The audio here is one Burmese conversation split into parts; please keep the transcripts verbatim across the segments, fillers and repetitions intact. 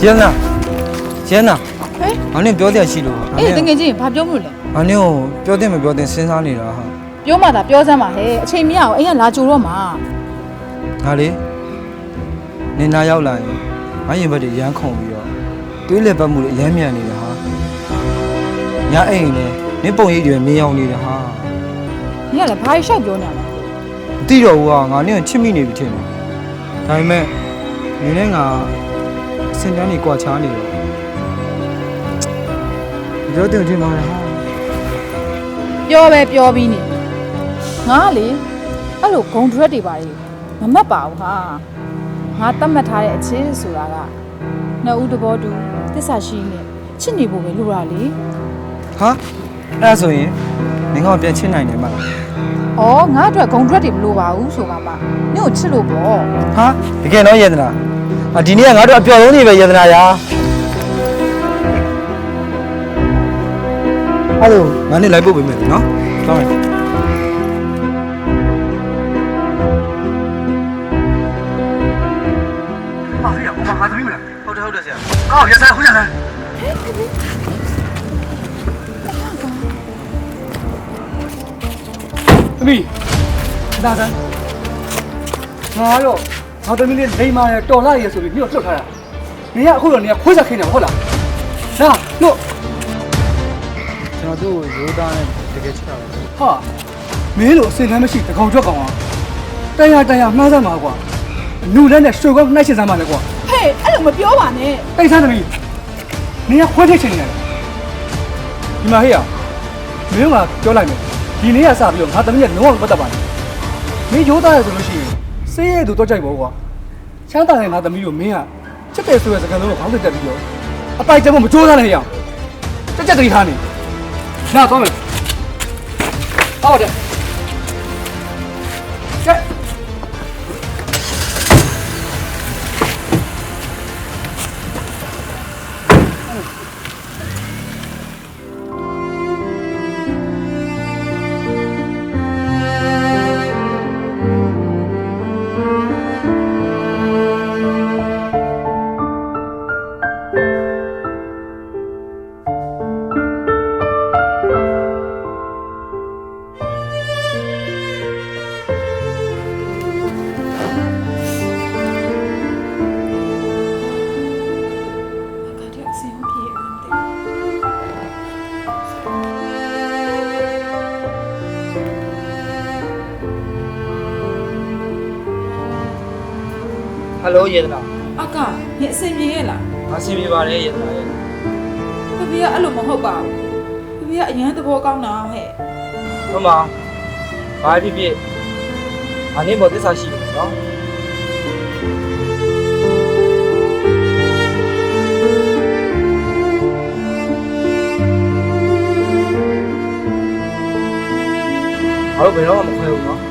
ရဲနာရဲနာဟဲ့ငါနဲ့ပြောတဲ့ရှိလို့အေးတကယ်ချင်းဘာပြောမလို့လဲငါနဲ့ကိုပြောတဲ့မပြောတဲ့စဉ်းစားနေတာဟာပြောမှသာပြောစမ်းပါဟဲ့အချိန်မရအောင်အိမ်ကလာကြိုတော့မှာငါလေနင်နာရောက်လာရင်ငါရင်ဘက်တွေရမ်းခုန်ပြီးတော့တွေးလက်ပတ်မှုတွေအယမ်းမြန်နေတာဟာညအိမ်နဲ့နင်ပုံရိပ်တွေမြင်အောင်နေတာဟာနင်ကလည်းဘာရှောက်ပြောနေရလဲမသိတော့ဘူးကငါနဲ့ချစ်မိနေပြီထင်တယ်ဒါပေမဲ့နင်နဲ့ငါအစင်တန်းနေကြွာချားနေတော့ပြောတယ်ထင်ပါရဲ့ဟာပြောပဲပြောပြီးနေငါလေအဲ့လိုဂုံဒရက်တွေပါလေမမတ်ပါဘူးဟာငါတတ်မှတ်ထားတဲ့အချင်းဆိုတာကနှစ်ဦးတဘောတူတစ္ဆာရှိနေချစ်နေဖို့ပဲလိုတာလေဟာအဲ့ဒါဆိုရင်နင်ကပြန်ချစ်နိုင်တယ်မလားဩငါအတွက်ဂုံဒရက်တွေမလိုပါဘူးဆိုပါမှနင့်ကိုချစ်လို့ပေါ့ဟာတကယ်တော့ယေဒနာအဒီနေ့ကငါတို့အပျော်ဆုံးနေပဲယေဒနာရာအဲ့လိုငါနဲ့လိုက်ပို့ပေးမယ်နော်ကောင်းပြီ啊，哎呀，我妈喊什么了？好的好的，先。好，现在回家来。သမီးဒါဆန်းငါရောငါသမီးလေးလိမ္မာရတော်လာရဆိုပြီးမြို့လွတ်ထားတာနေရအခုတော့နေရခွေးစားခင်းနေဟုတ်လားနာလို့ကျွန်တော်သူ့ကိုရိုးသားနဲ့တကယ်ချစ်တာပဲဟာမင်းလိုအစင်တမ်းမရှိတကောင်ကြွက်ကောင်อ่ะတန်ရတန်ရမှားစမ်းပါကွာအနုလက်နဲ့ရွှေကောနှိုက်ချင်စမ်းပါလေကွာဟေးအဲ့လိုမပြောပါနဲ့တိတ်ဆန်းသမီးနေရခွေးထိတ်ချင်နေတယ်ဒီမှာဟေ့ရမင်းကပြောလိုက်မယ်ဒီနေ့ကစပြီးတော့ငါသမီးကလုံးဝမပတ်သက်ပါနဲ့မင်းရိုးသားရဆိုလို့ရှိရင်စေးရဲသူတော့ကြိုက်ပါကွာချမ်းသာတဲ့ငါသမီးကိုမင်းကချက်တယ်ဆိုတဲ့စကားလုံးကိုခေါင်းတက်တက်ပြီးတော့အပိုက်ကျမမကြိုးစားနဲ့ဟေ့ရတက်တက်တတိထားနေနားသွားမယ်ဟုတ်တယ်ကဲဟယ်လိုယေဒနာအကနင်အစင်ပြေရဲ့လားအဆင်ပြေပါတယ်ယေဒနာရဲ့ဖဖေကအဲ့လိုမဟုတ်ပါဘူးဖဖေကအရန်သဘောကောင်းတာဟဲ့မမဘာဖြစ်ဖြစ်အနည်းပေါ်သစ္စာရှိတယ်နော်အဲ့ဘယ်တော့မှမခွဲဘူးနော်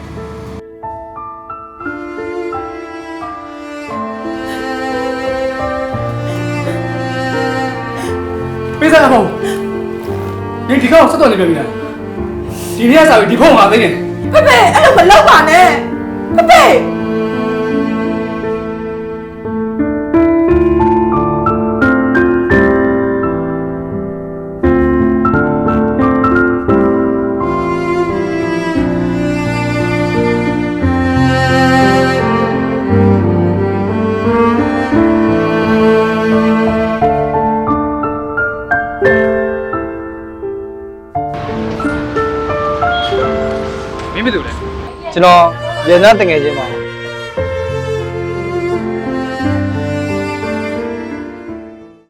ပေးစားဖို့ဒီဒီကောင်ဆက်တော်နေပြီလားဒီနေ့ကစားပြီးဒီဖုန်းမှာသိနေဖဖေအဲ့လိုမလုပ်ပါနဲ့ဖဖေကျွန်တော်ရေနန်းတငယ်ချင်းပါ